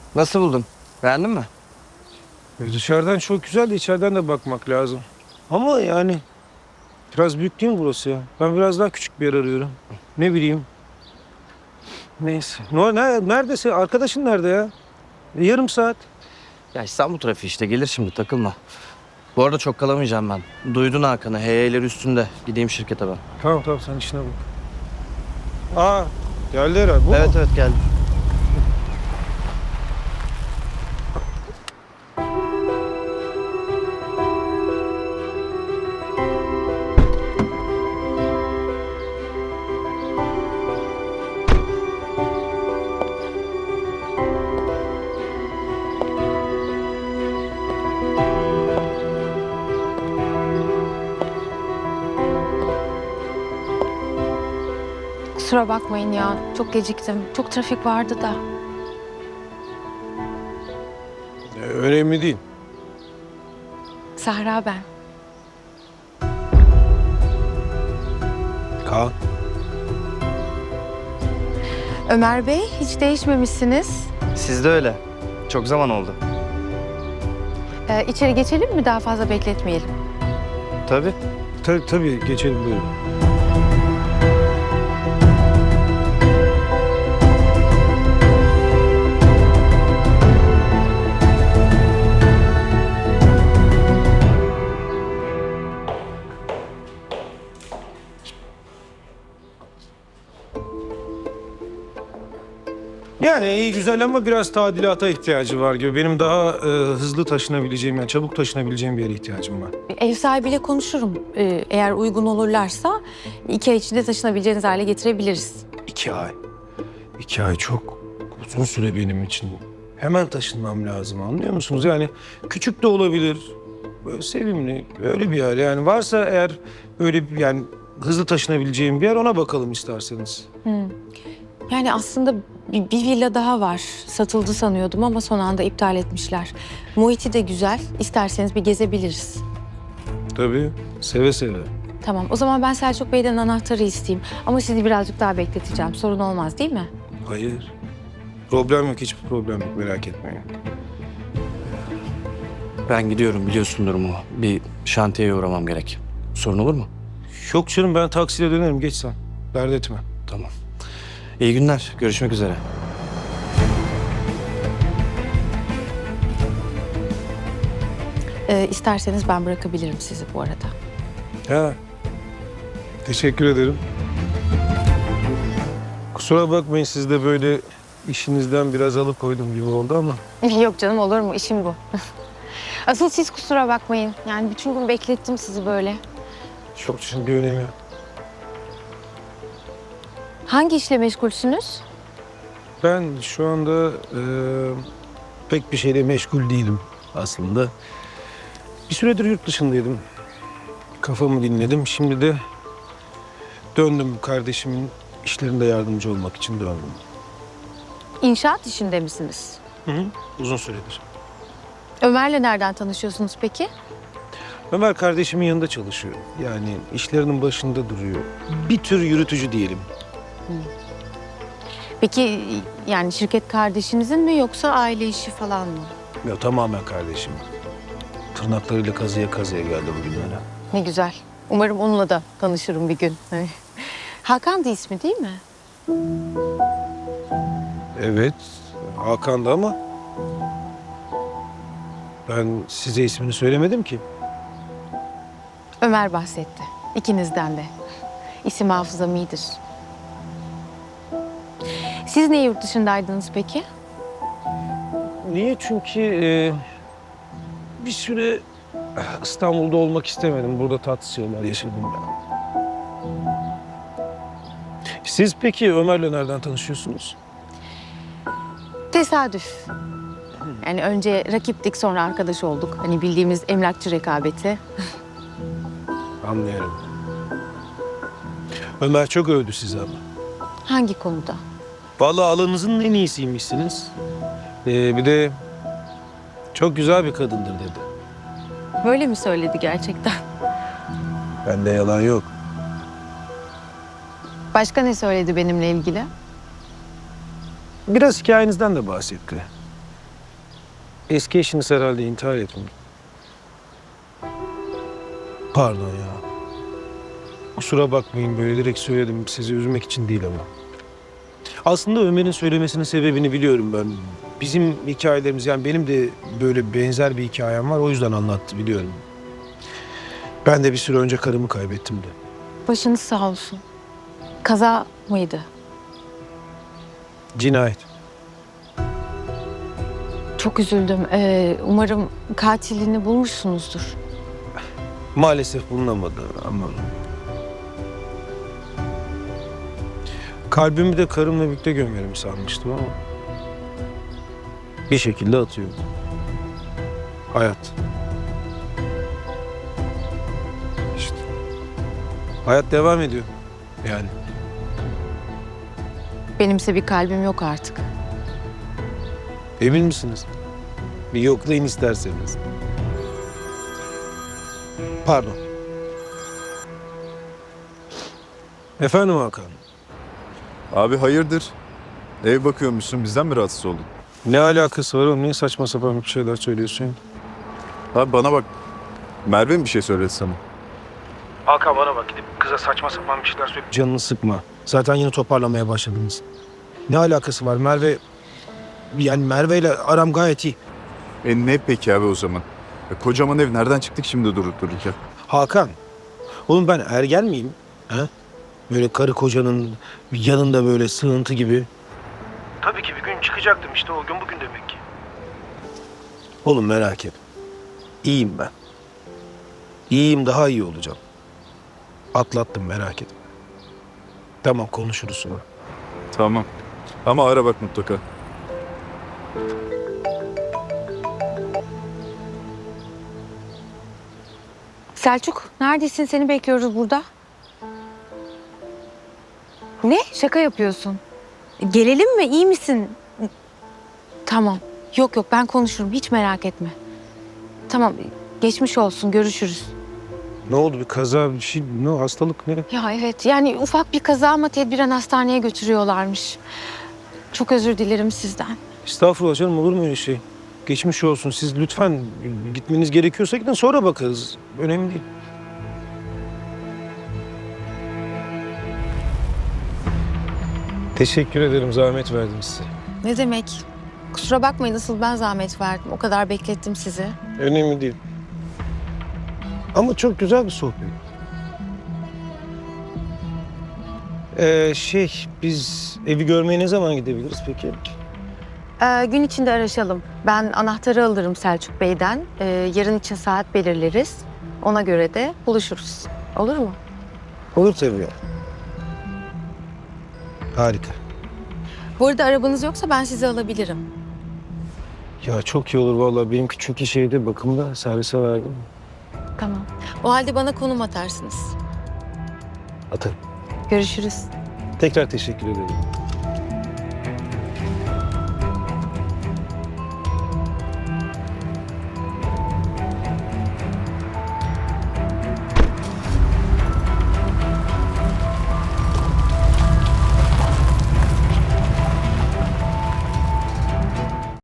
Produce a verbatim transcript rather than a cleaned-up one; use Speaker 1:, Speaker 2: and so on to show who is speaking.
Speaker 1: Nasıl buldun? Beğendin mi?
Speaker 2: E, Dışarıdan çok güzel de içeriden de bakmak lazım. Ama yani biraz büyük değil mi burası ya? Ben biraz daha küçük bir yer arıyorum. Ne bileyim. Neyse. Ne, ne, neredesin? Arkadaşın nerede ya? E, yarım saat.
Speaker 1: Ya İstanbul trafiği işte gelir şimdi takılma. Bu arada çok kalamayacağım ben. Duydun Hakan'ı heyeyleri üstünde. Gideyim şirkete ben.
Speaker 2: Tamam tamam sen işine bak. Aa geldi herhalde. Bu
Speaker 1: Evet
Speaker 2: mu?
Speaker 1: evet geldim.
Speaker 3: Kusura bakmayın ya. Çok geciktim. Çok trafik vardı da.
Speaker 2: E, önemli değil.
Speaker 3: Sahra ben.
Speaker 2: Kaan.
Speaker 3: Ömer Bey hiç değişmemişsiniz.
Speaker 1: Siz de öyle. Çok zaman oldu.
Speaker 3: Ee, içeri geçelim mi? Daha fazla bekletmeyelim.
Speaker 1: Tabii.
Speaker 2: Tabii tabii geçelim buyurun. Yani iyi güzel ama biraz tadilata ihtiyacı var gibi. Benim daha e, hızlı taşınabileceğim, yani çabuk taşınabileceğim bir yere ihtiyacım var.
Speaker 3: Ev sahibiyle konuşurum. Ee, eğer uygun olurlarsa iki ay içinde taşınabileceğiniz hale getirebiliriz.
Speaker 2: İki ay. İki ay çok uzun süre benim için. Hemen taşınmam lazım, anlıyor musunuz? Yani küçük de olabilir, böyle sevimli, öyle bir yer. Yani varsa eğer öyle bir, yani hızlı taşınabileceğim bir yer, ona bakalım isterseniz.
Speaker 3: Yani aslında bir, bir villa daha var. Satıldı sanıyordum ama son anda iptal etmişler. Muhiti de güzel. İsterseniz bir gezebiliriz.
Speaker 2: Tabii, seve seve.
Speaker 3: Tamam. O zaman ben Selçuk Bey'den anahtarı isteyeyim. Ama sizi birazcık daha bekleteceğim. Sorun olmaz değil mi?
Speaker 2: Hayır. Problem yok, hiçbir problem yok, merak etmeyin.
Speaker 1: Ben gidiyorum biliyorsun durumu. Bir şantiyeye uğramam gerek. Sorun olur mu?
Speaker 2: Yok canım, ben taksiyle dönerim, geç sen. Dert etme.
Speaker 1: Tamam. İyi günler. Görüşmek üzere.
Speaker 3: Ee, isterseniz ben bırakabilirim sizi bu arada.
Speaker 2: Ha. Teşekkür ederim. Kusura bakmayın, siz de böyle işinizden biraz alıkoydum gibi oldu ama.
Speaker 3: Yok canım, olur mu? İşim bu. Asıl siz kusura bakmayın. Yani bütün gün beklettim sizi böyle.
Speaker 2: Çok şimdi bir önemi yok.
Speaker 3: Hangi işle meşgulsünüz?
Speaker 2: Ben şu anda e, pek bir şeyle meşgul değilim aslında. Bir süredir yurt dışındaydım. Kafamı dinledim. Şimdi de döndüm, kardeşimin işlerinde yardımcı olmak için döndüm.
Speaker 3: İnşaat işinde misiniz?
Speaker 2: Hı hı. Uzun süredir.
Speaker 3: Ömer'le nereden tanışıyorsunuz peki?
Speaker 2: Ömer kardeşimin yanında çalışıyor. Yani işlerinin başında duruyor. Bir tür yürütücü diyelim.
Speaker 3: Peki yani şirket kardeşinizin mi yoksa aile işi falan mı?
Speaker 2: Ya tamamen kardeşim. Tırnaklarıyla kazıya kazıya geldi bugünlere.
Speaker 3: Ne güzel. Umarım onunla da tanışırım bir gün. Hakan da ismi değil mi?
Speaker 2: Evet, Hakan da ama ben size ismini söylemedim ki.
Speaker 3: Ömer bahsetti. İkinizden de. İsim hafızam iyidir. Siz niye yurt dışındaydınız peki?
Speaker 2: Niye? Çünkü e, bir süre İstanbul'da olmak istemedim. Burada tatsız şeyler yaşadım ben. Siz peki Ömer'le nereden tanışıyorsunuz?
Speaker 3: Tesadüf. Yani önce rakiptik, sonra arkadaş olduk. Hani bildiğimiz emlakçı rekabeti.
Speaker 2: Anlıyorum. Ömer çok övdü sizi ama.
Speaker 3: Hangi konuda?
Speaker 2: Vallahi alanınızın en iyisiymişsiniz. Ee, bir de çok güzel bir kadındır dedi.
Speaker 3: Böyle mi söyledi gerçekten?
Speaker 2: Bende yalan yok.
Speaker 3: Başka ne söyledi benimle ilgili?
Speaker 2: Biraz hikayenizden de bahsetti. Eski eşiniz herhalde intihar etmiş. Pardon ya. Kusura bakmayın, böyle direkt söyledim. Sizi üzmek için değil ama. Aslında Ömer'in söylemesinin sebebini biliyorum ben. Bizim hikayelerimiz, yani benim de böyle benzer bir hikayem var. O yüzden anlattı, biliyorum. Ben de bir süre önce karımı kaybettim de.
Speaker 3: Başınız sağ olsun. Kaza mıydı?
Speaker 2: Cinayet.
Speaker 3: Çok üzüldüm. Ee, umarım katilini bulmuşsunuzdur.
Speaker 2: Maalesef bulunamadı ama... Kalbimi de karımla birlikte gömerim sanmıştım ama... Bir şekilde atıyor. Hayat. İşte. Hayat devam ediyor. Yani.
Speaker 3: Benimse bir kalbim yok artık.
Speaker 2: Emin misiniz? Bir yoklayın isterseniz. Pardon. Efendim Hakan.
Speaker 4: Abi hayırdır? Ev bakıyormuşsun, bizden mi rahatsız oldun?
Speaker 2: Ne alakası var oğlum? Niye saçma sapan bir şeyler söylüyorsun ya?
Speaker 4: Abi bana bak, Merve mi bir şey söyledi sana?
Speaker 2: Hakan bana bak, gidip kıza saçma sapan bir şeyler söyle. Canını sıkma. Zaten yine toparlamaya başladınız. Ne alakası var Merve? Yani Merve ile aram gayet iyi.
Speaker 4: E ne peki abi o zaman? E, kocaman ev nereden çıktık şimdi durup dururken?
Speaker 2: Hakan, oğlum ben ergen miyim? He? Böyle karı kocanın yanında böyle sığıntı gibi. Tabii ki bir gün çıkacaktım, işte o gün bugün demek ki. Oğlum merak etme. İyiyim ben. İyiyim, daha iyi olacağım. Atlattım, merak etme. Tamam, konuşuruz sonra.
Speaker 4: Tamam. Ama ara bak mutlaka.
Speaker 3: Selçuk, neredesin? Seni bekliyoruz burada. Ne? Şaka yapıyorsun. Gelelim mi? İyi misin? Tamam. Yok yok, ben konuşurum. Hiç merak etme. Tamam, geçmiş olsun. Görüşürüz.
Speaker 2: Ne oldu, bir kaza, bir şey, ne hastalık ne?
Speaker 3: Ya evet, yani ufak bir kaza ama tedbiren hastaneye götürüyorlarmış. Çok özür dilerim sizden.
Speaker 2: Estağfurullah canım, olur mu öyle şey? Geçmiş olsun, siz lütfen gitmeniz gerekiyorsa gidin, sonra bakarız. Önemli değil. Teşekkür ederim, zahmet verdim size.
Speaker 3: Ne demek? Kusura bakmayın, asıl ben zahmet verdim. O kadar beklettim sizi.
Speaker 2: Önemli değil. Ama çok güzel bir sohbet. Ee, şey, biz evi görmeye ne zaman gidebiliriz peki?
Speaker 3: Ee, gün içinde araşalım. Ben anahtarı alırım Selçuk Bey'den. Ee, yarın için saat belirleriz. Ona göre de buluşuruz. Olur mu?
Speaker 2: Olur tabii ya. Harika.
Speaker 3: Bu arada arabanız yoksa ben sizi alabilirim.
Speaker 2: Ya çok iyi olur vallahi. Benimki çünkü şeyde, bakımda, servise verdim.
Speaker 3: Tamam. O halde bana konum atarsınız.
Speaker 2: Atarım.
Speaker 3: Görüşürüz.
Speaker 2: Tekrar teşekkür ederim.